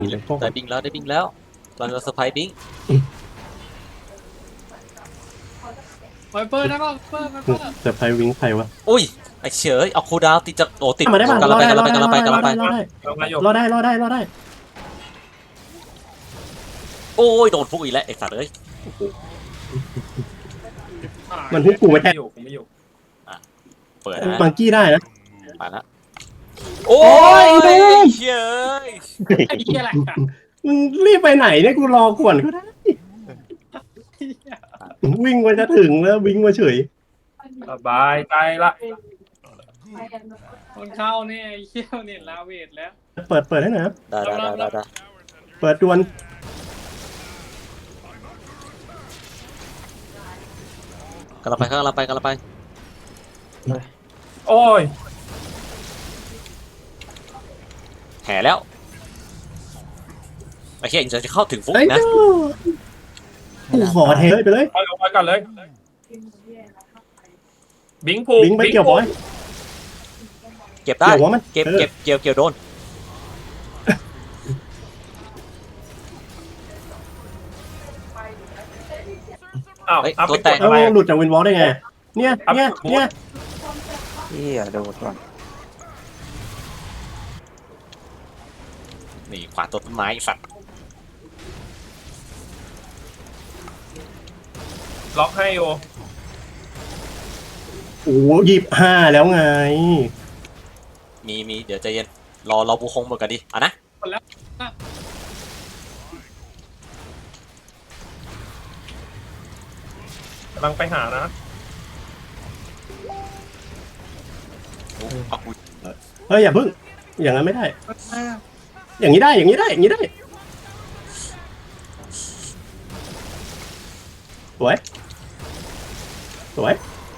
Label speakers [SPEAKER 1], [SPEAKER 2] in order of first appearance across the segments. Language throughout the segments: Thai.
[SPEAKER 1] ได้บิงแล้วได้บิงแล้วเราจะเซอร์ไพรส์บิง
[SPEAKER 2] ไวเปอร์นะก็ไวเปอร์
[SPEAKER 3] เซอร์ไพรส์วิงใครวะ
[SPEAKER 1] อุ้ยไอเฉยเอาคูลดาวน์ติดจากโอ้ติด
[SPEAKER 3] มาได้ป่ะ
[SPEAKER 1] กำ
[SPEAKER 3] ร
[SPEAKER 1] ลั
[SPEAKER 3] อง
[SPEAKER 1] ไป
[SPEAKER 3] ได้
[SPEAKER 1] กำลังไปกำลังไปกำลังไป
[SPEAKER 3] รอได้
[SPEAKER 2] เรามาอยู่
[SPEAKER 3] รอได้
[SPEAKER 1] โอ้ยโดนพุกอีกแล้วไอสัตว์เอ้ย
[SPEAKER 3] มันทุกกูไม่แทง
[SPEAKER 2] ผมไม่อยู่
[SPEAKER 1] เปิดนะ
[SPEAKER 3] บังกี้ได้นะ
[SPEAKER 1] ไปละโอ้ย
[SPEAKER 3] โอ้ย
[SPEAKER 1] เฉย
[SPEAKER 2] ไอ้เหี้ยอะไรอ่ะ
[SPEAKER 3] มึงรีบไปไหนเนี่ยกูรอก่อนก็ได้วิ่งมาจะถึงแล้ววิ่งมาเฉย
[SPEAKER 2] สบายใจละคนเข้าเนี่ยไอ้เหี้ยเนี่ยลาเวทแล้ว
[SPEAKER 3] เปิดให้หน่อยครับ
[SPEAKER 1] ได้
[SPEAKER 3] เปิดดวน
[SPEAKER 1] กำลังไป
[SPEAKER 2] โอ้ย
[SPEAKER 1] แห่แล้วไอ้เหี้ยจะเข้าถึงฟุก
[SPEAKER 3] ไอ้
[SPEAKER 1] นะ
[SPEAKER 3] เจ้ากูขอเทไปเลย
[SPEAKER 2] ไปลงไปก่อนเลยบิงผู
[SPEAKER 3] วิ่งไปเกี่ยวบอย
[SPEAKER 1] เก็บได้
[SPEAKER 3] เกี่ยวหัวมัน
[SPEAKER 1] เก็บโดน
[SPEAKER 2] อ้าว
[SPEAKER 1] เฮ้ย
[SPEAKER 2] อัพ
[SPEAKER 1] ตัว
[SPEAKER 2] ไป
[SPEAKER 1] แต
[SPEAKER 2] ก
[SPEAKER 1] ก
[SPEAKER 2] ด
[SPEAKER 3] แล้
[SPEAKER 2] อะไร
[SPEAKER 3] วหลุดจากวินวอลได้ไงเนี่ย
[SPEAKER 4] โดดก่อน
[SPEAKER 1] นี่ขวาตัวต้นไม้ไอ้สัตว์
[SPEAKER 2] ล็อกให้โอ
[SPEAKER 3] โอ้25แล้วไง
[SPEAKER 1] มีเดี๋ยวใจเย็นรอบูคงหมดกันดิอ่ะนะ
[SPEAKER 2] กำลังไปหานะ
[SPEAKER 1] เอากู
[SPEAKER 3] เฮ้ยอย่าพึ่งอย่างนั้นไม่ได้ อย่างนี้ได้สวย
[SPEAKER 2] สวย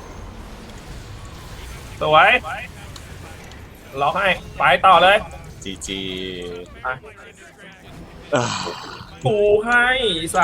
[SPEAKER 2] ล็อกให้ไปต่อเลย
[SPEAKER 1] จี
[SPEAKER 2] ปูให้